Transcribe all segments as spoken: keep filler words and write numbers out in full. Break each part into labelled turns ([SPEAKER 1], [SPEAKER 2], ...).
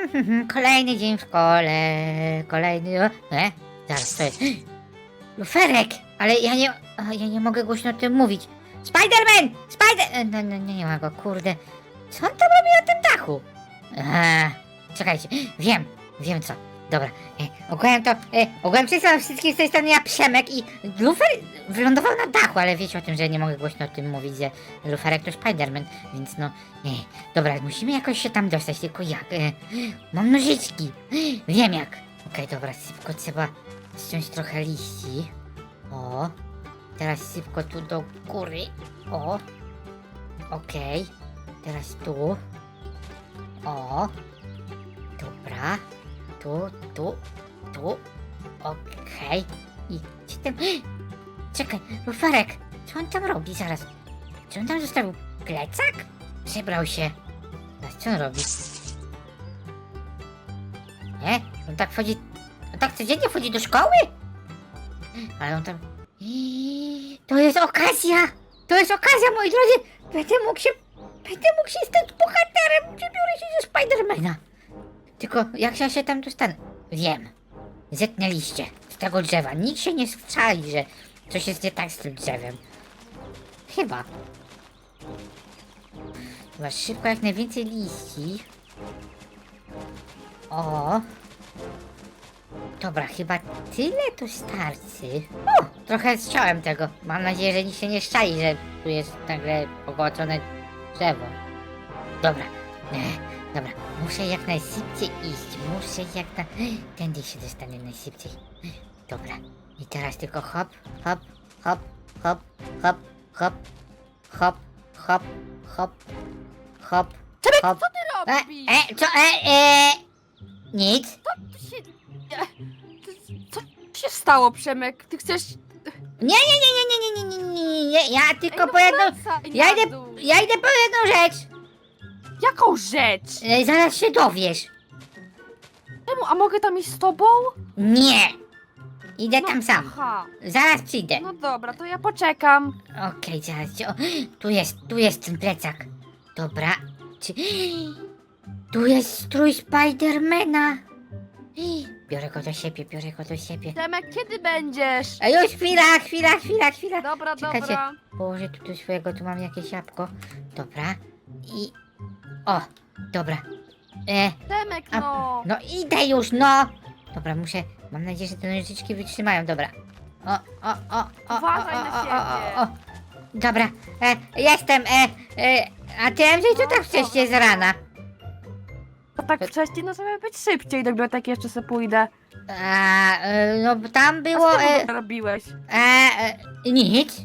[SPEAKER 1] Kolejny dzień w szkole, kolejny... E? Zaraz, to jest... Luferek! Ale ja nie... a, Ja nie mogę głośno o tym mówić. Spiderman! Spider... e, No, no, nie ma go, kurde. Co on tam robi na tym dachu? Eee, czekajcie, wiem, wiem co. Dobra, e, ogółem to... E, ogółem wszystkim wszystkich z tej strony ja Przemek i Lufer wylądował na dachu, ale wiecie o tym, że nie mogę głośno o tym mówić, że Luferek to Spiderman, więc no... E, dobra, musimy jakoś się tam dostać, tylko jak? E, mam nożyczki, wiem jak. Okej, dobra, szybko trzeba ściąć trochę liści. O, teraz szybko tu do góry. O, okej, teraz tu. O, dobra, tu, tu, tu, okej. I gdzie ten... Czekaj, Luferek, co on tam robi zaraz? Czy on tam zostawił plecak? Przebrał się. Zaraz, co on robi? Nie? On tak wchodzi... On tak codziennie wchodzi do szkoły? Ale on tam... Iii, to jest okazja! To jest okazja, moi drodzy! Będę mógł się... Będę mógł się stać bohaterem! Przebiorę się ze Spidermana! Tylko jak ja się tam dostanę? Wiem. Zetnę liście z tego drzewa. Nikt się nie strzali, że coś jest nie tak z tym drzewem. Chyba. Chyba szybko jak najwięcej liści. O. Dobra, chyba tyle tu starczy. O, trochę zciąłem tego. Mam nadzieję, że nikt się nie szczali, że tu jest nagle pogłocone drzewo. Dobra, e, dobra, muszę jak najszybciej iść. Muszę jak na... Tędy się dostanę najszybciej. Dobra, i teraz tylko hop, hop, hop, hop, hop, hop, hop, hop, hop, hop,
[SPEAKER 2] Przemek,
[SPEAKER 1] hop.
[SPEAKER 2] co ty
[SPEAKER 1] E,
[SPEAKER 2] robisz?
[SPEAKER 1] e, co, e, e, nic.
[SPEAKER 2] Co tu się... e, ty- Co się stało, Przemek? Ty chcesz...
[SPEAKER 1] Nie, nie, nie, nie, nie, nie, nie, nie, nie, nie, ja tylko
[SPEAKER 2] Ej, no
[SPEAKER 1] po jedną...
[SPEAKER 2] wracaj
[SPEAKER 1] Ja
[SPEAKER 2] na
[SPEAKER 1] idę,
[SPEAKER 2] dół.
[SPEAKER 1] ja idę po jedną rzecz.
[SPEAKER 2] Jaką rzecz?
[SPEAKER 1] E, zaraz się dowiesz.
[SPEAKER 2] Czemu? A mogę tam iść z tobą?
[SPEAKER 1] Nie. Idę
[SPEAKER 2] No,
[SPEAKER 1] tam sam.
[SPEAKER 2] Aha.
[SPEAKER 1] Zaraz przyjdę.
[SPEAKER 2] No dobra, to ja poczekam.
[SPEAKER 1] Okej, zaraz cię... O, tu jest, tu jest ten plecak. Dobra. Czy... Tu jest strój Spidermana. Biorę go do siebie, biorę go do siebie.
[SPEAKER 2] Przemek, kiedy będziesz?
[SPEAKER 1] A już chwila, chwila, chwila, chwila.
[SPEAKER 2] Dobra,
[SPEAKER 1] Czekajcie.
[SPEAKER 2] dobra.
[SPEAKER 1] Położę tu do swojego, tu mam jakieś jabłko. Dobra. I... O, dobra. E,
[SPEAKER 2] Przemek,
[SPEAKER 1] A-
[SPEAKER 2] no.
[SPEAKER 1] no idę już, no! Dobra, muszę... Mam nadzieję, że te nożyczki wytrzymają, dobra. O, o, o, o,
[SPEAKER 2] Uważaj
[SPEAKER 1] o,
[SPEAKER 2] na
[SPEAKER 1] o, o,
[SPEAKER 2] siebie.
[SPEAKER 1] o, o. Dobra, e, jestem, e, e, a ty, M J, co
[SPEAKER 2] No,
[SPEAKER 1] tak wcześniej z rana?
[SPEAKER 2] To tak wcześniej, no żeby być szybciej, do biblioteki jeszcze sobie pójdę.
[SPEAKER 1] A, e, no bo tam
[SPEAKER 2] A
[SPEAKER 1] było,
[SPEAKER 2] co ty
[SPEAKER 1] e,
[SPEAKER 2] e... robiłeś?
[SPEAKER 1] e, e, nic.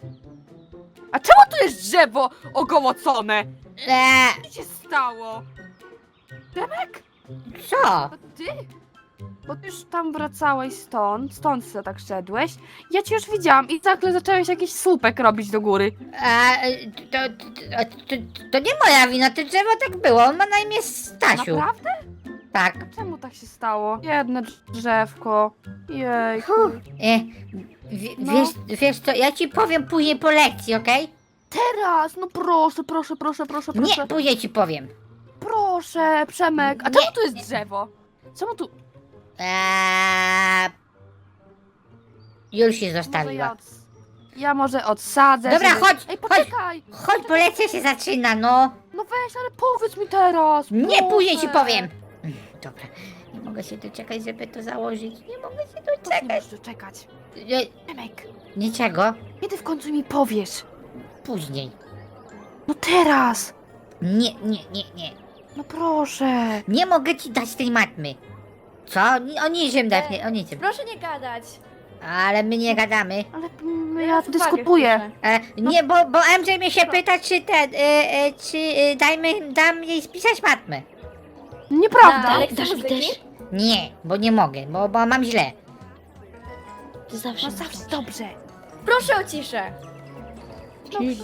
[SPEAKER 2] A czemu tu jest drzewo ogołocone?
[SPEAKER 1] E,
[SPEAKER 2] Co się stało? Przemek?
[SPEAKER 1] co?
[SPEAKER 2] To ty? Bo ty już tam wracałeś stąd, stąd sobie tak szedłeś. Ja cię już widziałam i nagle zacząłeś jakiś słupek robić do góry.
[SPEAKER 1] E, to, to, to, to nie moja wina, to drzewo tak było, on ma na imię Stasiu.
[SPEAKER 2] Naprawdę?
[SPEAKER 1] Tak.
[SPEAKER 2] Czemu tak się stało? Jedne drzewko. Jejku.
[SPEAKER 1] E, w,
[SPEAKER 2] No.
[SPEAKER 1] wiesz, wiesz co, ja ci powiem później po lekcji, okej?
[SPEAKER 2] Teraz, no proszę, proszę, proszę, proszę, proszę.
[SPEAKER 1] Nie, później ci powiem.
[SPEAKER 2] Proszę, Przemek. A
[SPEAKER 1] Nie.
[SPEAKER 2] czemu tu jest drzewo? Czemu tu...
[SPEAKER 1] Eee, już się
[SPEAKER 2] Może ja,
[SPEAKER 1] zostawiła.
[SPEAKER 2] od... ja może odsadzę.
[SPEAKER 1] Dobra,
[SPEAKER 2] żeby-
[SPEAKER 1] chodź,
[SPEAKER 2] Ej,
[SPEAKER 1] chodź.
[SPEAKER 2] poczekaj.
[SPEAKER 1] Chodź, bo lekcja się zaczyna, no.
[SPEAKER 2] No weź, ale powiedz mi teraz.
[SPEAKER 1] Nie,
[SPEAKER 2] proszę.
[SPEAKER 1] później ci powiem. Mm, Dobra, nie mogę się doczekać, żeby to założyć. Nie mogę się
[SPEAKER 2] To nie
[SPEAKER 1] doczekać.
[SPEAKER 2] możesz doczekać.
[SPEAKER 1] E,
[SPEAKER 2] Przemek,
[SPEAKER 1] niczego,
[SPEAKER 2] kiedy w końcu mi powiesz?
[SPEAKER 1] później.
[SPEAKER 2] No teraz.
[SPEAKER 1] Nie, nie, nie, nie.
[SPEAKER 2] No proszę.
[SPEAKER 1] Nie mogę ci dać tej matmy. Co? O niczym dać, nie, o niczym.
[SPEAKER 3] Proszę nie gadać.
[SPEAKER 1] Ale my nie gadamy.
[SPEAKER 2] Ale mm,
[SPEAKER 3] Ja
[SPEAKER 2] ja
[SPEAKER 3] was uwagę
[SPEAKER 2] dyskutuję.
[SPEAKER 3] wpiszę.
[SPEAKER 1] E, nie, bo, bo M J mnie się pyta, czy ten, e, e, czy e, dajmy, dam jej spisać matmę.
[SPEAKER 2] Nieprawda.
[SPEAKER 3] Ale
[SPEAKER 4] dasz
[SPEAKER 3] chcesz
[SPEAKER 4] mi
[SPEAKER 3] muzyki?
[SPEAKER 4] też?
[SPEAKER 1] Nie, bo nie mogę, bo, bo mam źle.
[SPEAKER 4] To zawsze
[SPEAKER 2] No
[SPEAKER 4] masz
[SPEAKER 2] zawsze
[SPEAKER 4] dobrze.
[SPEAKER 2] dobrze.
[SPEAKER 3] Proszę o ciszę.
[SPEAKER 4] Czyli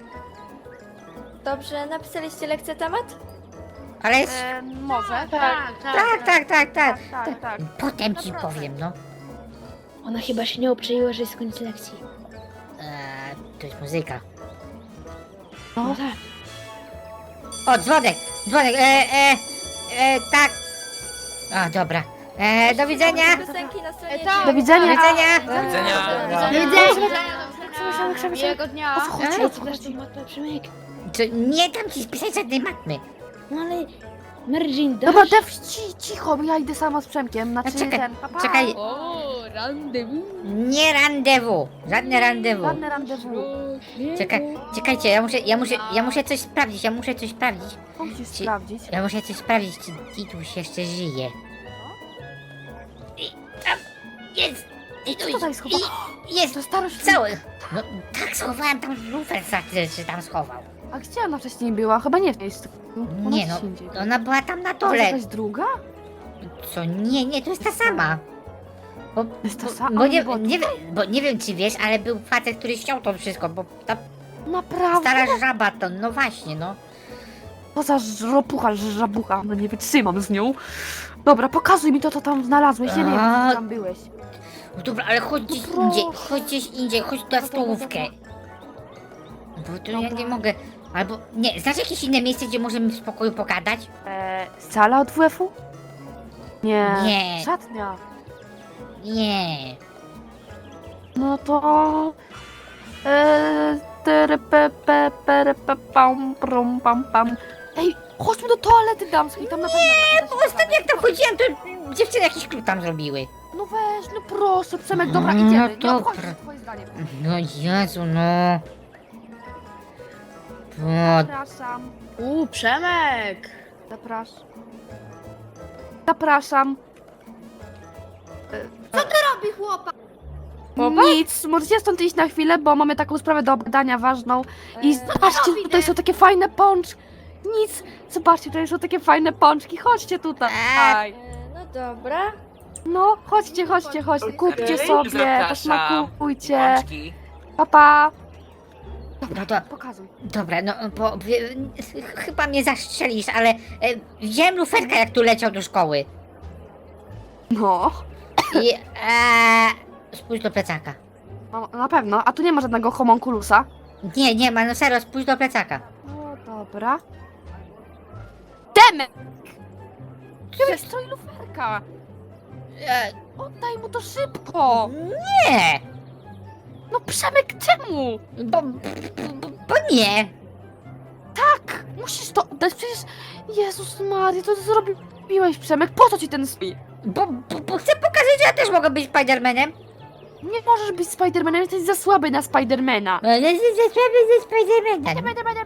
[SPEAKER 3] Dobrze, napisaliście lekcję temat?
[SPEAKER 1] Ale jest...
[SPEAKER 2] E, może.
[SPEAKER 4] tak,
[SPEAKER 1] Tak, tak, tak, tak.
[SPEAKER 2] tak, tak.
[SPEAKER 1] Potem ci
[SPEAKER 3] Naprawdę.
[SPEAKER 1] powiem, no.
[SPEAKER 4] Ona chyba się nie obczaiła, że jest koniec lekcji.
[SPEAKER 1] Eee, to jest muzyka.
[SPEAKER 4] No tak.
[SPEAKER 1] O, dzwonek, dzwonek, e, e, e, tak. O, dobra. E, do widzenia.
[SPEAKER 3] Piosenki na stronie
[SPEAKER 5] E, to-
[SPEAKER 2] Do widzenia.
[SPEAKER 1] Do widzenia.
[SPEAKER 5] Do
[SPEAKER 1] widzenia.
[SPEAKER 5] Do
[SPEAKER 2] widzenia.
[SPEAKER 5] Miłego dnia.
[SPEAKER 2] O co chodzi?
[SPEAKER 4] Ej,
[SPEAKER 2] O co
[SPEAKER 4] ty dasz
[SPEAKER 2] chodzi?
[SPEAKER 4] tą matmę, Przemek.
[SPEAKER 1] Co, nie dam ci spisać żadnej matmy.
[SPEAKER 4] No ale... Mary Jane, dasz?
[SPEAKER 2] Dobra, Dev, ci, cicho, bo ja idę sama z Przemkiem. Znaczy
[SPEAKER 1] A czekaj,
[SPEAKER 2] ten, papa.
[SPEAKER 1] czekaj.
[SPEAKER 5] O, rendezvous.
[SPEAKER 1] Nie randewu. Żadne randewu.
[SPEAKER 2] Żadne rendezvous.
[SPEAKER 1] Czekaj, czekajcie, ja muszę, ja muszę, ja muszę coś sprawdzić, ja muszę coś sprawdzić.
[SPEAKER 2] Co musisz
[SPEAKER 1] Ci-
[SPEAKER 2] sprawdzić?
[SPEAKER 1] Ja muszę coś sprawdzić, czy Tituś jeszcze żyje. I tam jest!
[SPEAKER 2] Co
[SPEAKER 1] Tituś!
[SPEAKER 2] tutaj schował?
[SPEAKER 1] I jest
[SPEAKER 2] To starość.
[SPEAKER 1] cały! No tak schowałem tam lufer, czy tam schował.
[SPEAKER 2] A gdzie ona wcześniej była? Chyba nie w miejscu. Ona
[SPEAKER 1] Nie
[SPEAKER 2] gdzieś
[SPEAKER 1] no,
[SPEAKER 2] indziej.
[SPEAKER 1] ona była tam na
[SPEAKER 2] To jest
[SPEAKER 1] dole.
[SPEAKER 2] jakaś druga?
[SPEAKER 1] Co? Nie, nie, to jest ta sama. Bo,
[SPEAKER 2] Jest ta
[SPEAKER 1] bo,
[SPEAKER 2] sama?
[SPEAKER 1] bo, nie,
[SPEAKER 2] Bo-
[SPEAKER 1] nie, wiem, bo nie wiem czy wiesz, ale był facet, który ściął to wszystko, bo ta
[SPEAKER 2] Naprawdę?
[SPEAKER 1] stara żaba to, no właśnie, no.
[SPEAKER 2] Poza żropucha, żabucha, no nie wytrzymam z nią. Dobra, pokazuj mi to, co tam znalazłeś. Ja nie wiem,
[SPEAKER 1] A.
[SPEAKER 2] gdzie tam byłeś.
[SPEAKER 1] No dobra, ale chodź gdzieś
[SPEAKER 2] proszę.
[SPEAKER 1] indziej, chodź gdzieś indziej, chodź na stołówkę. Bo tu ja
[SPEAKER 2] Dobra.
[SPEAKER 1] nie mogę. Albo, nie, znasz jakieś inne miejsce, gdzie możemy w spokoju pogadać?
[SPEAKER 2] Eee, sala od W F-u? Nie.
[SPEAKER 1] Nie.
[SPEAKER 2] Szatnia.
[SPEAKER 1] Nie.
[SPEAKER 2] No to... Eee, tere, pe, pe, pere, pe, pam, prum, pam, pam. Ej, chodźmy do toalety damskiej, tam na pewno... Nie,
[SPEAKER 1] Bo ostatnio jak tam chodziłem, to dziewczyny jakiś klub tam zrobiły.
[SPEAKER 2] No weź, no proszę, Przemek, dobra,
[SPEAKER 1] No
[SPEAKER 2] idziemy. Nie
[SPEAKER 1] dobra.
[SPEAKER 2] obchodzi się twoje zdanie.
[SPEAKER 1] No Jezu, no. Bo,
[SPEAKER 2] Zapraszam,
[SPEAKER 5] U, Przemek.
[SPEAKER 2] zapraszam. Zapraszam.
[SPEAKER 5] Robi chłopak.
[SPEAKER 2] Nic, możecie stąd iść na chwilę, bo mamy taką sprawę do obgadania ważną. I zobaczcie,
[SPEAKER 5] robi,
[SPEAKER 2] tutaj
[SPEAKER 5] nie?
[SPEAKER 2] są takie fajne pączki. Nic, zobaczcie, tutaj są takie fajne pączki. Chodźcie tutaj.
[SPEAKER 3] E, no dobra.
[SPEAKER 2] No, chodźcie, chodźcie, chodźcie. Kupcie
[SPEAKER 6] Okej,
[SPEAKER 2] sobie,
[SPEAKER 6] zapraszam.
[SPEAKER 2] posmakujcie.
[SPEAKER 6] Pączki.
[SPEAKER 2] Papa.
[SPEAKER 1] no to,
[SPEAKER 2] Pokazuj.
[SPEAKER 1] dobra, no bo wie- chyba mnie zastrzelisz, ale e, widziałem luferka jak tu leciał do szkoły.
[SPEAKER 2] No,
[SPEAKER 1] I e, spójrz do plecaka.
[SPEAKER 2] no, na pewno. A tu nie ma żadnego homunculusa.
[SPEAKER 1] Nie, nie ma, no serio, spójrz do plecaka.
[SPEAKER 2] No, dobra. Demek! Tyłek strój luferka.
[SPEAKER 1] E,
[SPEAKER 2] Oddaj mu to szybko.
[SPEAKER 1] nie!
[SPEAKER 2] No, Przemek, czemu?
[SPEAKER 1] Bo, bo, bo nie!
[SPEAKER 2] Tak, musisz to oddać, przecież... Jezus Maria, to zrobiłeś, Przemek, po co ci ten strój?
[SPEAKER 1] Bo, bo, bo chcę pokazać, że ja też mogę być Spidermanem.
[SPEAKER 2] Nie możesz być Spidermanem, jesteś za słaby na Spidermana.
[SPEAKER 1] No, ze ze Spidermanem.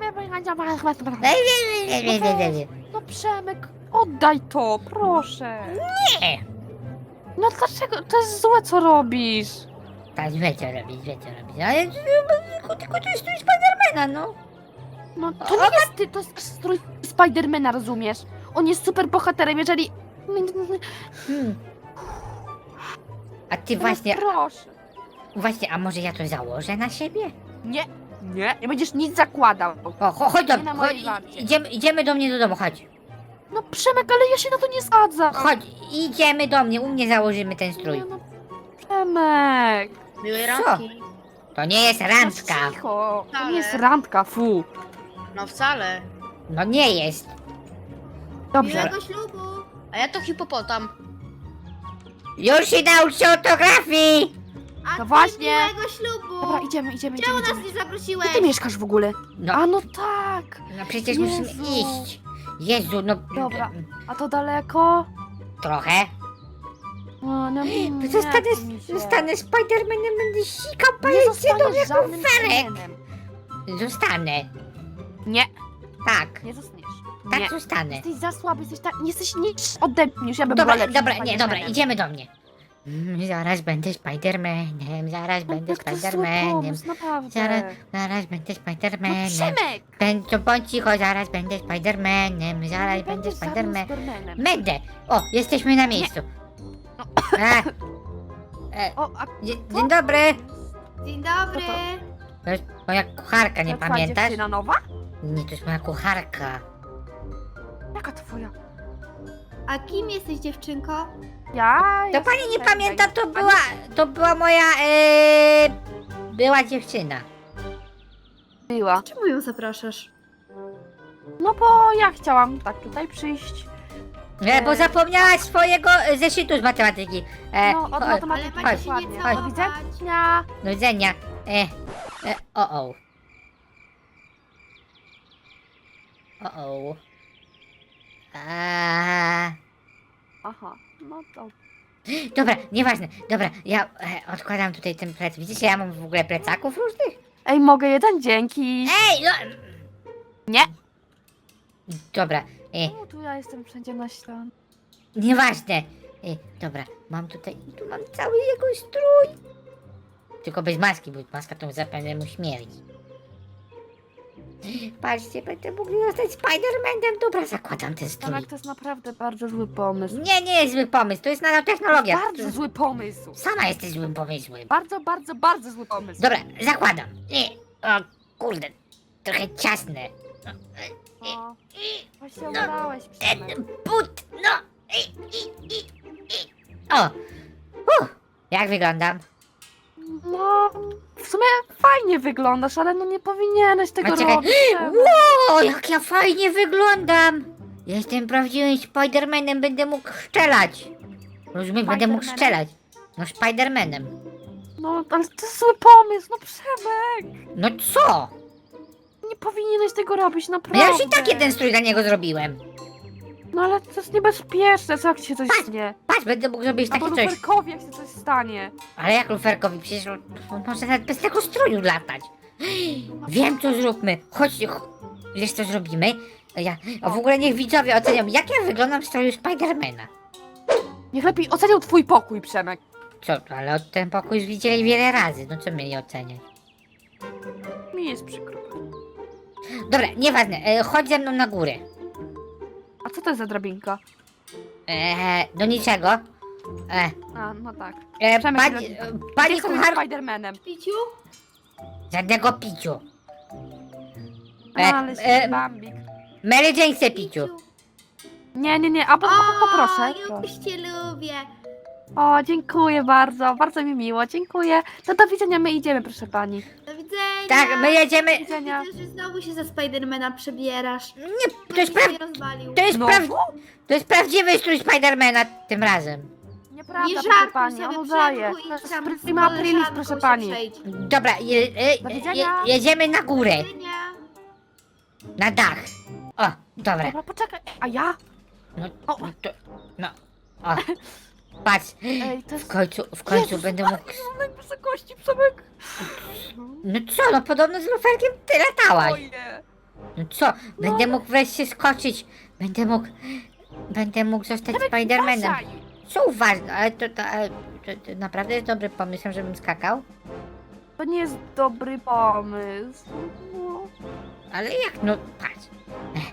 [SPEAKER 2] No Przemek, oddaj to, proszę.
[SPEAKER 1] Nie!
[SPEAKER 2] No dlaczego? To jest złe, co robisz.
[SPEAKER 1] Tak, złe co robić, złe co robić. Ale tylko, tylko to jest strój Spidermana, no.
[SPEAKER 2] No to nie jest ty, to jest strój Spidermana, rozumiesz? On jest super bohaterem, jeżeli...
[SPEAKER 1] Hmm. A ty
[SPEAKER 2] No
[SPEAKER 1] właśnie,
[SPEAKER 2] proszę.
[SPEAKER 1] właśnie, a może ja to założę na siebie?
[SPEAKER 2] Nie, nie, nie będziesz nic zakładał.
[SPEAKER 1] O, cho- chodź do
[SPEAKER 2] Nie na
[SPEAKER 1] chodź,
[SPEAKER 2] mojej warcie.
[SPEAKER 1] idziemy, idziemy do mnie do domu, chodź.
[SPEAKER 2] No Przemek, ale ja się na to nie zgadzam.
[SPEAKER 1] Chodź, idziemy do mnie, u mnie założymy ten strój.
[SPEAKER 2] Nie, no, Przemek.
[SPEAKER 5] Miłej
[SPEAKER 1] Co?
[SPEAKER 5] randki.
[SPEAKER 1] To nie jest
[SPEAKER 2] No
[SPEAKER 1] randka.
[SPEAKER 2] cicho, to
[SPEAKER 5] Ale-
[SPEAKER 2] nie jest randka, fu.
[SPEAKER 5] No wcale.
[SPEAKER 1] No nie jest.
[SPEAKER 2] Dobrze.
[SPEAKER 5] ślubu. A ja to hipopotam.
[SPEAKER 1] Już się nauczy ortografii!
[SPEAKER 2] No właśnie.
[SPEAKER 5] ślubu.
[SPEAKER 2] Dobra, idziemy, idziemy, idziemy. idziemy.
[SPEAKER 5] nie
[SPEAKER 2] Gdzie
[SPEAKER 5] zaprosiłeś?
[SPEAKER 2] ty mieszkasz w ogóle?
[SPEAKER 1] No,
[SPEAKER 2] A no tak.
[SPEAKER 1] no przecież
[SPEAKER 2] Jezu.
[SPEAKER 1] musimy iść. Jezu, no...
[SPEAKER 2] Dobra. A to daleko?
[SPEAKER 1] Trochę.
[SPEAKER 2] O, no, nie
[SPEAKER 1] Zostanę,
[SPEAKER 2] chce mi się.
[SPEAKER 1] zostanę Spidermanem, będę sikał
[SPEAKER 2] Nie
[SPEAKER 1] pajęcie do
[SPEAKER 2] zostaniesz
[SPEAKER 1] jak
[SPEAKER 2] żadnym
[SPEAKER 1] luferek.
[SPEAKER 2] Spidermanem.
[SPEAKER 1] Zostanę.
[SPEAKER 2] Nie,
[SPEAKER 1] Tak,
[SPEAKER 2] nie zostaniesz.
[SPEAKER 1] tak
[SPEAKER 2] Nie.
[SPEAKER 1] zostanę.
[SPEAKER 2] Jesteś za słaby, jesteś tak, nie jesteś nic ode mnie, już ja bym
[SPEAKER 1] Dobra,
[SPEAKER 2] była lepszym
[SPEAKER 1] dobra, nie, dobra,
[SPEAKER 2] Spidermanem.
[SPEAKER 1] idziemy do mnie. Mm, Zaraz będę Spidermanem, zaraz będę
[SPEAKER 2] Jak to zły
[SPEAKER 1] Spidermanem.
[SPEAKER 2] pomysł, naprawdę.
[SPEAKER 1] Zaraz, zaraz będę
[SPEAKER 2] No
[SPEAKER 1] Spidermanem.
[SPEAKER 2] Przemek!
[SPEAKER 1] Będę, bądź cicho, zaraz będę Spidermanem, zaraz
[SPEAKER 2] Nie
[SPEAKER 1] będę
[SPEAKER 2] będziesz żadnym
[SPEAKER 1] Spidermanem.
[SPEAKER 2] Spidermanem.
[SPEAKER 1] Będę! O, jesteśmy na miejscu. E, e,
[SPEAKER 2] O, a
[SPEAKER 1] dzie- dzień dobry.
[SPEAKER 5] Dzień
[SPEAKER 2] dobry.
[SPEAKER 1] To jest moja kucharka, nie
[SPEAKER 2] to twoja
[SPEAKER 1] pamiętasz?
[SPEAKER 2] dziewczyna nowa?
[SPEAKER 1] Nie, to jest moja kucharka.
[SPEAKER 2] Jaka twoja?
[SPEAKER 5] A kim jesteś, dziewczynko?
[SPEAKER 2] Ja
[SPEAKER 1] To
[SPEAKER 2] jestem
[SPEAKER 1] pani nie
[SPEAKER 2] tutaj
[SPEAKER 1] pamięta, to
[SPEAKER 2] pani-
[SPEAKER 1] była, to była moja, e, była dziewczyna.
[SPEAKER 2] Była.
[SPEAKER 5] Czemu ją zapraszasz?
[SPEAKER 2] No bo ja chciałam tak tutaj przyjść.
[SPEAKER 1] E, bo zapomniałaś swojego e, zeszytu z matematyki. E,
[SPEAKER 2] No, od
[SPEAKER 1] cho-
[SPEAKER 5] Ale
[SPEAKER 2] matematyki
[SPEAKER 5] macie się
[SPEAKER 2] dokładnie.
[SPEAKER 5] nie
[SPEAKER 2] Do
[SPEAKER 5] całować.
[SPEAKER 2] widzenia.
[SPEAKER 1] do widzenia. E, e, o o. O o. A,
[SPEAKER 2] Aha, no to...
[SPEAKER 1] dobra, nieważne. Dobra, ja e, odkładam tutaj ten plec. Widzicie, ja mam w ogóle plecaków różnych?
[SPEAKER 2] Ej, mogę jeden? Dzięki.
[SPEAKER 1] Ej, no.
[SPEAKER 2] Nie.
[SPEAKER 1] Dobra, e,
[SPEAKER 2] Czemu tu ja jestem wszędzie na ścianie?
[SPEAKER 1] nieważne. E, dobra, mam tutaj, tu mam cały jego strój. Tylko bez maski, bo maska to zapewne mu śmierdzi. Patrzcie, będę mógł zostać Spider-Manem. Dobra, zakładam ten strój.
[SPEAKER 2] Tomek, to jest naprawdę bardzo zły pomysł.
[SPEAKER 1] Nie, nie jest zły pomysł, to jest nanotechnologia.
[SPEAKER 2] Bardzo zły pomysł.
[SPEAKER 1] Sama jesteś złym pomysłem.
[SPEAKER 2] Bardzo, bardzo, bardzo zły pomysł.
[SPEAKER 1] Dobra, zakładam. Nie, o kurde, trochę ciasne.
[SPEAKER 2] O, właśnie
[SPEAKER 1] No,
[SPEAKER 2] ubrałeś,
[SPEAKER 1] ten
[SPEAKER 2] Przemek.
[SPEAKER 1] but, no. I, i, i, i. O, Uff, jak wyglądam?
[SPEAKER 2] No, w sumie fajnie wyglądasz, ale no nie powinieneś tego
[SPEAKER 1] A czekaj.
[SPEAKER 2] robić. Przemek.
[SPEAKER 1] Ło, jak ja fajnie wyglądam. Jestem prawdziwym Spidermanem, będę mógł strzelać. Rozumiesz, będę mógł
[SPEAKER 2] Spidermanem?
[SPEAKER 1] strzelać. No, Spidermanem.
[SPEAKER 2] No, ale to jest zły pomysł, no Przemek.
[SPEAKER 1] No co?
[SPEAKER 2] Nie powinieneś tego robić,
[SPEAKER 1] No
[SPEAKER 2] naprawdę.
[SPEAKER 1] ja już i tak jeden strój dla niego zrobiłem.
[SPEAKER 2] No ale to jest niebezpieczne, co jak ci się coś
[SPEAKER 1] Patrz,
[SPEAKER 2] stanie?
[SPEAKER 1] Patrz, będę mógł zrobić
[SPEAKER 2] Albo
[SPEAKER 1] takie coś.
[SPEAKER 2] luferkowi, jak się coś stanie.
[SPEAKER 1] Ale jak luferkowi? Przecież on, on może nawet bez tego stroju latać. Wiem, co zróbmy. Chodźcie, ch- wiesz co zrobimy? Ja, a w ogóle niech widzowie ocenią, jak ja wyglądam w stroju Spidermana.
[SPEAKER 2] Niech lepiej ocenią twój pokój, Przemek.
[SPEAKER 1] Co, ale od ten pokój już widzieli wiele razy, no co mieli oceniać?
[SPEAKER 2] Mi jest przykro.
[SPEAKER 1] Dobra, nieważne, e, chodź ze mną na górę.
[SPEAKER 2] A co to jest za drabinka?
[SPEAKER 1] E, do niczego. E,
[SPEAKER 2] A, no tak.
[SPEAKER 1] e,
[SPEAKER 2] Przemek,
[SPEAKER 1] pani,
[SPEAKER 2] drogi.
[SPEAKER 1] e, pani
[SPEAKER 2] Jestem
[SPEAKER 1] kuchar...
[SPEAKER 2] Spidermanem.
[SPEAKER 5] Piciu?
[SPEAKER 1] Żadnego piciu.
[SPEAKER 2] No,
[SPEAKER 1] E,
[SPEAKER 2] ale
[SPEAKER 1] e,
[SPEAKER 2] się Bambik.
[SPEAKER 1] Mary Jane chce piciu.
[SPEAKER 2] Nie, nie, nie, a po, po, poproszę.
[SPEAKER 5] ja
[SPEAKER 2] proszę.
[SPEAKER 5] już cię lubię.
[SPEAKER 2] O, dziękuję bardzo, bardzo mi miło, dziękuję. To do widzenia, my idziemy, proszę pani.
[SPEAKER 5] Do widzenia.
[SPEAKER 1] Tak, my jedziemy...
[SPEAKER 2] Do widzenia.
[SPEAKER 5] Widzę, że znowu się za Spidermana przebierasz.
[SPEAKER 1] Nie, to jest,
[SPEAKER 5] Ktoś
[SPEAKER 1] pra...
[SPEAKER 5] mnie rozwalił.
[SPEAKER 1] to jest,
[SPEAKER 2] No,
[SPEAKER 1] praw... to jest prawdziwy strój Spidermana tym razem.
[SPEAKER 2] nieprawda,
[SPEAKER 5] Nie
[SPEAKER 2] proszę
[SPEAKER 5] żartuj
[SPEAKER 2] pani, on
[SPEAKER 5] sobie,
[SPEAKER 2] udaje.
[SPEAKER 5] Przemku,
[SPEAKER 2] To
[SPEAKER 5] idź
[SPEAKER 2] jest
[SPEAKER 5] tam z
[SPEAKER 2] prima aprilis,
[SPEAKER 5] koleżanką
[SPEAKER 2] proszę
[SPEAKER 5] się
[SPEAKER 2] pani.
[SPEAKER 5] przejdź.
[SPEAKER 1] Dobra, je, e,
[SPEAKER 2] Do
[SPEAKER 1] je,
[SPEAKER 2] widzenia.
[SPEAKER 1] jedziemy na górę,
[SPEAKER 5] Do widzenia.
[SPEAKER 1] na dach. O, dobra.
[SPEAKER 2] Dobra, poczekaj, a ja?
[SPEAKER 1] No,
[SPEAKER 2] O.
[SPEAKER 1] no, to, no, o. Patrz,
[SPEAKER 2] Ej, to
[SPEAKER 1] w
[SPEAKER 2] jest...
[SPEAKER 1] końcu, w końcu
[SPEAKER 2] Jezus
[SPEAKER 1] będę mógł...
[SPEAKER 2] Maria, na wysokości, Przemek.
[SPEAKER 1] No co, no podobno z luferkiem ty latałaś.
[SPEAKER 2] Oje.
[SPEAKER 1] No co, będę mógł wreszcie skoczyć. Będę mógł, będę mógł zostać Spidermanem.
[SPEAKER 2] Uważaj.
[SPEAKER 1] Co uważne, ale to, to, ale to, to naprawdę jest dobry pomysł, żebym skakał.
[SPEAKER 2] To nie jest dobry pomysł. No.
[SPEAKER 1] Ale jak, no patrz. Ech.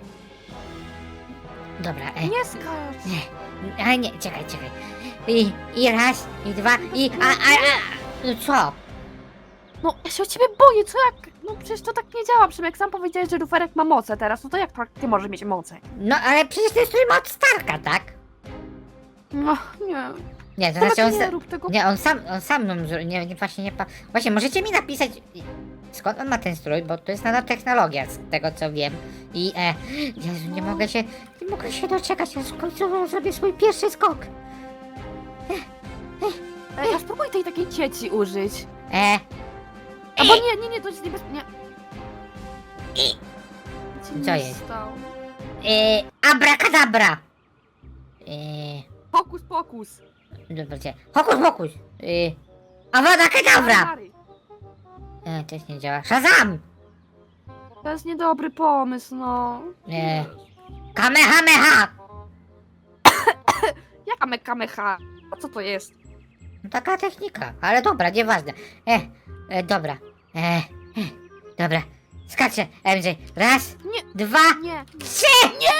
[SPEAKER 1] Dobra, e,
[SPEAKER 2] Nie skacz.
[SPEAKER 1] nie, ale nie, czekaj, czekaj. I, i raz, i dwa, i, a, a, a, no co?
[SPEAKER 2] No, ja się o ciebie boję, co jak... No przecież to tak nie działa, Przemek, sam powiedziałeś, że luferek ma moce teraz, no to jak tak ty możesz mieć moce?
[SPEAKER 1] No ale przecież to jest strój od Starka, tak?
[SPEAKER 2] No, nie.
[SPEAKER 1] Nie, to
[SPEAKER 2] Przemek,
[SPEAKER 1] znaczy on,
[SPEAKER 2] nie
[SPEAKER 1] sa-
[SPEAKER 2] rób tego.
[SPEAKER 1] nie, on sam, on sam nam, zro- nie, nie, właśnie nie, pa- właśnie możecie mi napisać, skąd on ma ten strój, bo to jest nanotechnologia, z tego co wiem. I, e, Jezu, nie mogę się, nie mogę się doczekać, aż w końcu zrobię swój pierwszy skok.
[SPEAKER 2] Ej, a spróbuj tej takiej cieci użyć.
[SPEAKER 1] E,
[SPEAKER 2] Albo nie, nie, nie, to jest niebezpieczne.
[SPEAKER 1] I-
[SPEAKER 2] Nie.
[SPEAKER 1] Co
[SPEAKER 2] nie
[SPEAKER 1] jest?
[SPEAKER 2] stało.
[SPEAKER 1] e, abracadabra. E,
[SPEAKER 2] Pokus, pokus.
[SPEAKER 1] dobra, cię, hokus pokus. E, awada kedavra.
[SPEAKER 2] Stary,
[SPEAKER 1] E, też nie działa. Shazam.
[SPEAKER 2] to jest niedobry pomysł, no.
[SPEAKER 1] E, kamehameha.
[SPEAKER 2] Jaka mekamecha? A co to jest?
[SPEAKER 1] No taka technika, ale dobra, nieważne. E, e dobra. E, e, dobra. Skaczę, M J. Raz,
[SPEAKER 2] Nie.
[SPEAKER 1] dwa,
[SPEAKER 2] Nie.
[SPEAKER 1] trzy! Nie!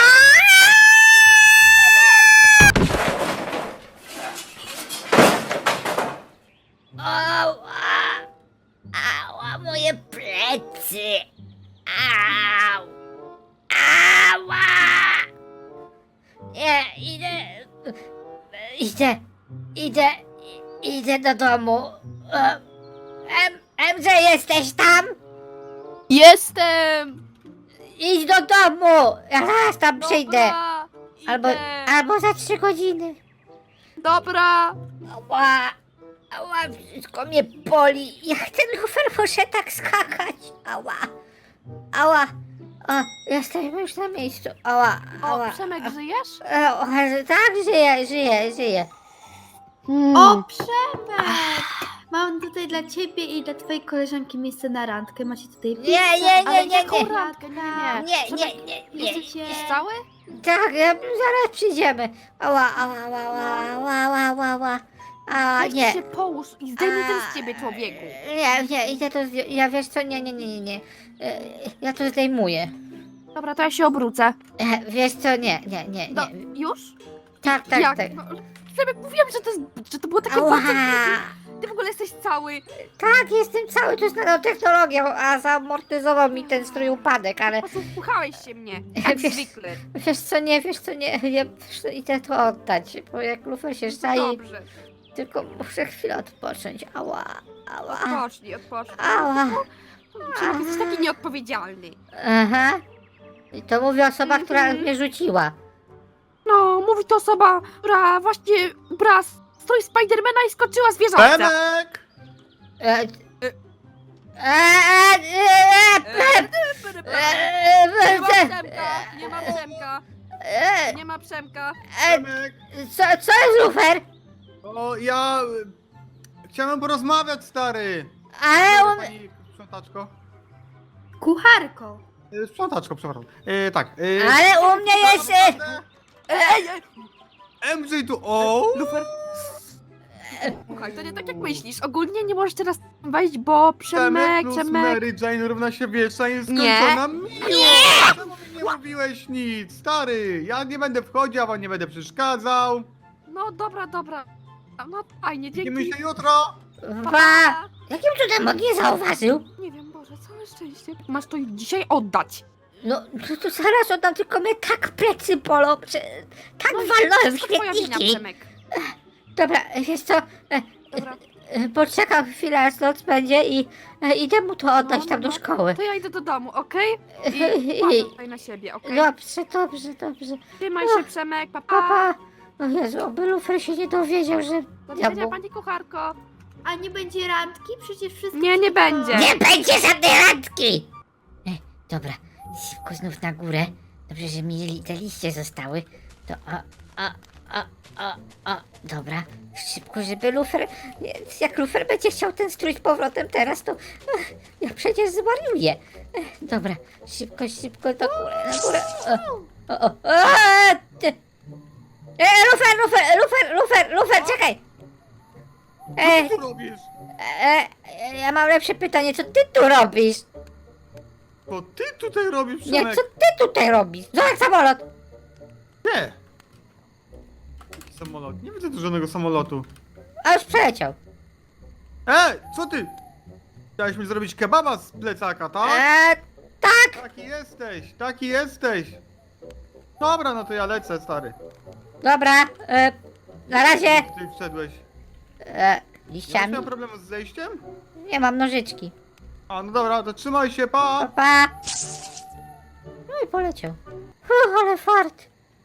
[SPEAKER 1] Ała! Ała, moje plecy! Au! Ała! Nie, idę... Idę... Idę... Idę do domu. E, M, M J, jesteś tam?
[SPEAKER 2] Jestem!
[SPEAKER 1] Idź do domu! Ja zaraz tam przyjdę.
[SPEAKER 2] Dobra.
[SPEAKER 1] Albo,
[SPEAKER 2] Idę.
[SPEAKER 1] albo za trzy godziny.
[SPEAKER 2] Dobra.
[SPEAKER 1] Ała, ała, wszystko mnie boli. Jak ten lufer może tak skakać? Ała, ała. O, jesteśmy już na miejscu. Ała, ała.
[SPEAKER 2] O, Przemek, żyjesz?
[SPEAKER 1] E, o, tak, żyję, żyję, żyję.
[SPEAKER 2] Hmm.
[SPEAKER 5] O, Przemek! Mam tutaj dla ciebie i dla twojej koleżanki miejsce na randkę. Macie tutaj pizzę,
[SPEAKER 1] Nie, nie,
[SPEAKER 2] Ale
[SPEAKER 1] nie, nie,
[SPEAKER 2] jaką
[SPEAKER 1] nie.
[SPEAKER 2] randkę? Nie, nie,
[SPEAKER 1] Nie,
[SPEAKER 2] Przemek,
[SPEAKER 1] nie, nie, nie.
[SPEAKER 5] Chcecie...
[SPEAKER 2] Jesteś cały?
[SPEAKER 1] Tak, ja, zaraz przyjdziemy. Ała, ała, ała, ała, ała, ała, ała. A,
[SPEAKER 2] Weź
[SPEAKER 1] nie.
[SPEAKER 2] się połóż i zdejmij ten
[SPEAKER 1] A,
[SPEAKER 2] z ciebie, człowieku.
[SPEAKER 1] Nie, nie, idę to zdjąć. Ja wiesz co, nie, nie, nie, nie, nie. E, Ja to zdejmuję.
[SPEAKER 2] Dobra, to ja się obrócę.
[SPEAKER 1] E, Wiesz co, nie, nie, nie,
[SPEAKER 2] No,
[SPEAKER 1] nie.
[SPEAKER 2] już?
[SPEAKER 1] Tak, tak,
[SPEAKER 2] Jak?
[SPEAKER 1] tak.
[SPEAKER 2] No, Przemek, mówiłam, że to, jest, że to było takie
[SPEAKER 1] Ała.
[SPEAKER 2] bardzo... Ty w ogóle jesteś cały.
[SPEAKER 1] Tak, jestem cały czas nanotechnologią, a zamortyzował mi ten strój upadek, ale
[SPEAKER 2] Po prostu wpuchałeś się mnie, jak
[SPEAKER 1] Wiesz-
[SPEAKER 2] zwykle.
[SPEAKER 1] wiesz co, nie, wiesz co, nie, ja idę to oddać, bo jak lufer się zdaje,
[SPEAKER 2] Dobrze,
[SPEAKER 1] tylko muszę chwilę odpocząć. Ała, ała,
[SPEAKER 2] odpocznij, odpocznij.
[SPEAKER 1] ała.
[SPEAKER 2] Przemek, jesteś taki nieodpowiedzialny.
[SPEAKER 1] Aha. I to mówi osoba, która
[SPEAKER 2] Mhm.
[SPEAKER 1] mnie rzuciła.
[SPEAKER 2] No, mówi to osoba, która właśnie ubrała strój Spidermana i skoczyła z wieżowca.
[SPEAKER 6] Przemek!
[SPEAKER 1] E, e, e, e, e,
[SPEAKER 2] Nie ma
[SPEAKER 1] e,
[SPEAKER 2] Przemka, nie ma Przemka,
[SPEAKER 1] e,
[SPEAKER 2] nie ma Przemka.
[SPEAKER 1] e,
[SPEAKER 6] Przemek!
[SPEAKER 1] Co, co jest lufer?
[SPEAKER 6] O, ja... y, Chciałem porozmawiać, stary!
[SPEAKER 1] Ale
[SPEAKER 6] Dobra,
[SPEAKER 1] on...
[SPEAKER 6] pani sprzątaczko?
[SPEAKER 5] Kucharką.
[SPEAKER 6] Y, Sprzątaczko, przepraszam. Y, tak. y,
[SPEAKER 1] Ale u mnie jest... e,
[SPEAKER 6] naprawdę?
[SPEAKER 2] Ej, ej,
[SPEAKER 6] M J tu... O!
[SPEAKER 2] Lufer. Słuchaj, to nie tak jak myślisz. Ogólnie nie możesz teraz wejść, bo Przemek,
[SPEAKER 6] plus
[SPEAKER 2] Przemek...
[SPEAKER 6] Mary Jane równa się wieczna jest
[SPEAKER 2] Nie.
[SPEAKER 6] skończona miłość! Czemu mi nie mówiłeś nic, stary? Ja nie będę wchodził, a wam nie będę przeszkadzał.
[SPEAKER 2] No dobra, dobra. No fajnie, dzięki.
[SPEAKER 6] Widzimy się jutro!
[SPEAKER 2] Pa,
[SPEAKER 1] Ba,
[SPEAKER 2] pa.
[SPEAKER 1] jakim cudem on nie zauważył?
[SPEAKER 2] Nie wiem, Boże, całe szczęście. Masz to dzisiaj oddać.
[SPEAKER 1] No, to, to zaraz oddam, tylko mnie tak plecy bolą, że tak
[SPEAKER 2] No i
[SPEAKER 1] walnąłem w
[SPEAKER 2] to twoja wina,
[SPEAKER 1] śmietniki.
[SPEAKER 2] Przemek.
[SPEAKER 1] Dobra, wiesz co, e,
[SPEAKER 2] Dobra,
[SPEAKER 1] e, poczekam chwilę, aż noc będzie i e, idę mu to oddać
[SPEAKER 2] No,
[SPEAKER 1] tam
[SPEAKER 2] no,
[SPEAKER 1] do
[SPEAKER 2] no.
[SPEAKER 1] szkoły.
[SPEAKER 2] to ja idę do domu, okej?
[SPEAKER 1] I-
[SPEAKER 2] I uważaj tutaj na siebie, okej?
[SPEAKER 1] Dobrze, dobrze, dobrze.
[SPEAKER 2] Trzymaj się, Przemek, papa.
[SPEAKER 1] Papa. O Jezu, oby lufer się nie dowiedział, że...
[SPEAKER 2] Do widzenia,
[SPEAKER 1] Diabłu.
[SPEAKER 2] pani kucharko.
[SPEAKER 5] A nie będzie randki? Przecież wszystko...
[SPEAKER 2] Nie, nie będzie.
[SPEAKER 1] Nie będzie żadnej randki! E, dobra, szybko znów na górę. Dobrze, że mi li- te liście zostały. To o, o, o, o, o, dobra. Szybko, żeby lufer... nie, Jak lufer będzie chciał ten strój z powrotem teraz, to ach, ja przecież zwariuję. E, dobra, szybko, szybko do góry, na górę. O, o, o, o, ty. E, lufer, lufer, lufer, lufer, lufer, czekaj! E,
[SPEAKER 6] Co tu robisz?
[SPEAKER 1] e, e, ja mam lepsze pytanie, co ty tu robisz?
[SPEAKER 6] To ty tutaj robisz,
[SPEAKER 1] Nie,
[SPEAKER 6] Przemek?
[SPEAKER 1] co ty tutaj robisz? Zobacz samolot!
[SPEAKER 6] Nie! Jaki samolot? Nie widzę tu żadnego samolotu.
[SPEAKER 1] A już przeleciał.
[SPEAKER 6] E, co ty? Chciałeś mi zrobić kebaba z plecaka, tak?
[SPEAKER 1] Eee, tak!
[SPEAKER 6] Taki jesteś, taki jesteś. Dobra, no to ja lecę, stary.
[SPEAKER 1] Dobra, e, na razie.
[SPEAKER 6] Ty wszedłeś.
[SPEAKER 1] E,
[SPEAKER 6] Ja nie
[SPEAKER 1] liściami?
[SPEAKER 6] miałem problemu z zejściem?
[SPEAKER 1] Nie mam nożyczki.
[SPEAKER 6] A, no dobra, to trzymaj się,
[SPEAKER 1] Pa,
[SPEAKER 6] pa!
[SPEAKER 1] pa. No i poleciał. Uff, ale fart.